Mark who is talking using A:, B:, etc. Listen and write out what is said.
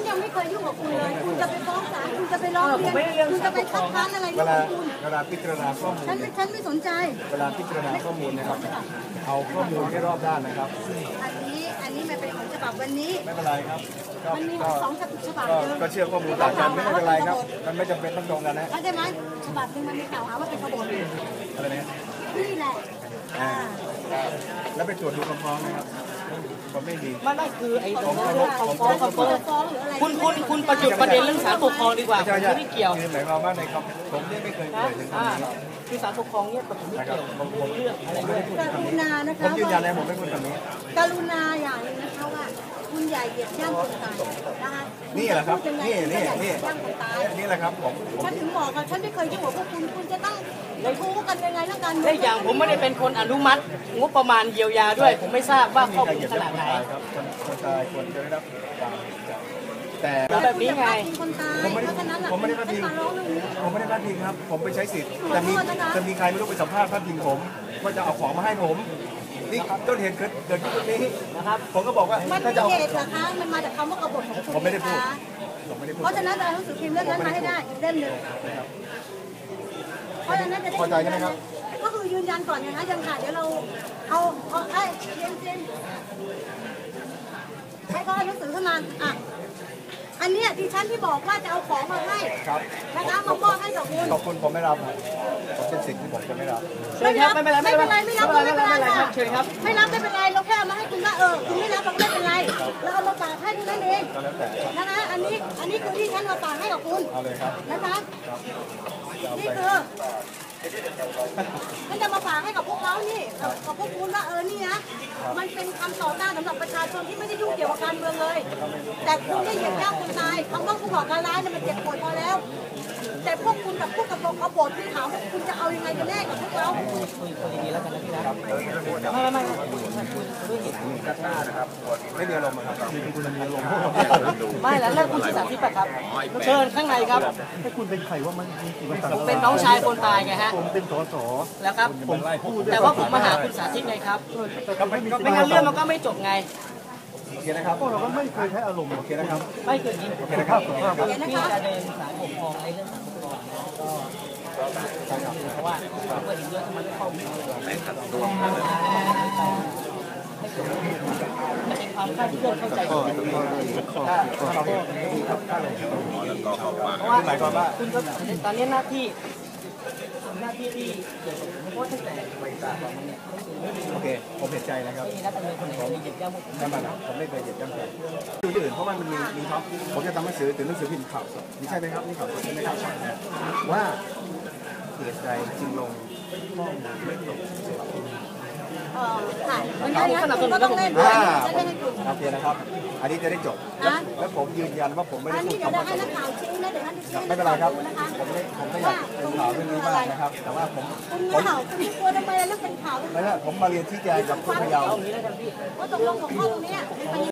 A: ยังไม่เคยยุ่งกับคุณเลยคุณจะไปฟ้องศาลคุณจะไปร้องเรียนคุณจะไปคัดค้านอะไรกับคุณ
B: เวลาพิจารณาข้อมูล
A: ฉันไม่สนใจ
B: เวลาพิจารณาข้อมูลนะครับเอาข้อมูลให้รอบด้านนะครับ
A: อันนี้มันเป็นของฉบับวันนี้
B: ไม่เป็นไรครับ
A: มันมีสองฉบับ
B: ก็เชื่อข้อมูลต่างกันไม่เป็นไรครับมันไม่จำเป็นต้องตรงกันนะ
A: เข้าใจไหมฉบับหนึ่งมันมีกล่าวหาว่าเป็นขบวน
B: อะไรนะ
A: นี่แหละ
B: แล้วไปตรวจดูคำฟ้องนะครับผมไม่มี
C: ไม่คือไอ้ตรงเรื่องคำฟ้องคุณประจุประเด็นเรื่องศาลปกครองดีกว่าไม่ได้เกี่ยว
B: หมายความว่าในคำผมไม่เคยเอ่ยถึงคำนี้
C: คือศาลปกครองเนี่ยผมไม่เกี่ยวเรื่องอะไรด้วย
A: กรุณานะคะ
B: ผมยืนยันเลยผมไม่พูดคำนี้
A: กรุณาอย่างนึงนะคะว่าคุณใหญ่เหยียบย่ำคนตายนะคะ
B: นี่แหละครับนี่
A: ย่ำคนตาย
B: นี่แหละครับผม
A: ฉันถึงบอกค่ะฉันไม่เคยยุ่งกับพวกคุณจะต้องทู้กันยังไงทั้งการ
C: และอย่างผมไม่ได้เป็นคนอนุมัติงบประมาณเยียวยาด้วยผมไม่ทราบว่าข้อมูลขนาดไหน
B: คนตายควรจะได้รับแต่
C: แบบนี้ไง
B: ผมไม่ได้พาดพิงผมไม่ได้พาดพิงครับผมไปใช้สิทธิ์จะมีใครไม่รู้ไปสัมภาษณ์พาดพิงผมว่าจะเอาของมาให้ผมนี่ต้นเหตุเกิดขึ้นตรงนี้นะครับผมก็บอกว่า
A: ถ้าจะเอาเหตุนะคะมันมาจากคำว่ากบฏของคุณ
B: ผมไม่ได้พูด
A: เพราะฉะนั้นเราต้องสืบพิมพ์เรื่องนั้นมาให้ได้เล่มหนึ่งเพราะฉะนั้นจะได้
B: พอใจไหมครับ
A: ก็คือยืนยันก่อนนะคะยังค่ะเดี๋ยวเราเอาไอ้เจนให้เขาเอาหนังสือขึ้นมาอันนี้ดิฉันที่บอกว่าจะเอาของมาให้นะคะมามอบให้กับคุณ
B: ขอบคุณผมไม่รับผมเป็นสิ่งที่ผมจะไม่รับ
A: ไม่เป็นไรไม่เป็นไรไม่รับไม่เป็นไรค่ะไม่รับไม่เป็นไรเราแค่เอามาให้คุณว่าคุณไม่รับเราไม่เป็นไรเราเอามาฝากให้คุณนั่นเองนะคะอันนี้คือที่ฉันมาฝากให้กับคุณนะคะนี่คือฉันจะมาฝากให้กับพวกเขานี่กับพวกคุณว่านี่นะมันเป็นคำต่อต้านสำหรับประชาชนที่ไม่ได้ยุ่งเกี่ยวกับการเมืองเลยแต่คุณได้เหยียบย่ำคนตายคำว่าผู้ก่อการร้ายเนี่ยมันเจ็บปวดพอแล้วแต่พวกคุณกับพวกกบฏกบฏที่ถามคุณจะเอายังไงกันแน่กับพวกเรา
B: ไม่มีอารมณ์ครับคุณมีอารมณ์
C: ไม่แล้วคุณศึกษาที่ปะครับเชิญข้างในครับ
B: ให้คุณเป็นใครว่ามัน
C: ผมเป็นน้องชายคนตายไงฮะ
B: ผมเป็นสส
C: แล้วครับแต่ว่าผมมาหาคุณสาธิตไงครับไม่งั้นเรื่องมันก็ไม่จบไง
B: โอเคนะครับพวกเราก็ไม่เคยใช้อารมณ์โอเคนะครับ
C: ไม่เคยยิน
B: โอเคนะครับ
C: ที่จะเดินสายปกครองในเรื่องสารปกครองก็เพราะว่าเปิดอีกเรื่องมันเข้าไม่ขัดตัวมันเป็นความคาดเคลื่อนเข้าใจเพราะว่าคุณก็ตอนนี้หน้าที่ที่เกี่ยวกับเพราะตั้งแต่
B: โอเคผมเห็นใจนะครับ
C: นี่นักการเมืองคนไหนเหยียบย่ำ
B: ผมไม่เคยเหยียบย่ำใครดูที่อื่นเพราะว่ามันมีท็อปผมจะทำหนังสือถึงหนังสือพิมพ์ข่าวสดนี่ใช่ไหมครับนี่ข่าวสดใช่ไหมครับว่าเหตุใดจึงลงข้อมูลไม่ตรง
A: ค่ะมันก็ต้องเล่นด้วยจะได้ให้คุณ
B: โอเคนะครับอันนี้จะได้จบแล้วผมยืนยันว่าผมไม่ได้พูดคำว่า
A: ให้นักข่าวชี้นะเดี๋ยวท่านจะชี้
B: ไม่เป็นไรครับผมไม่อยากเป็นข่าวเรื่องนี้มากนะครับแต่ว่า
A: คุณข่าวคุณกลัวทำไมเรื่องเป็นข่าว
B: ไม่ใช่ผมมาเรียนชี้แจงกับผู้พยายาม
A: ว่าตกลงของข้อตรงนี้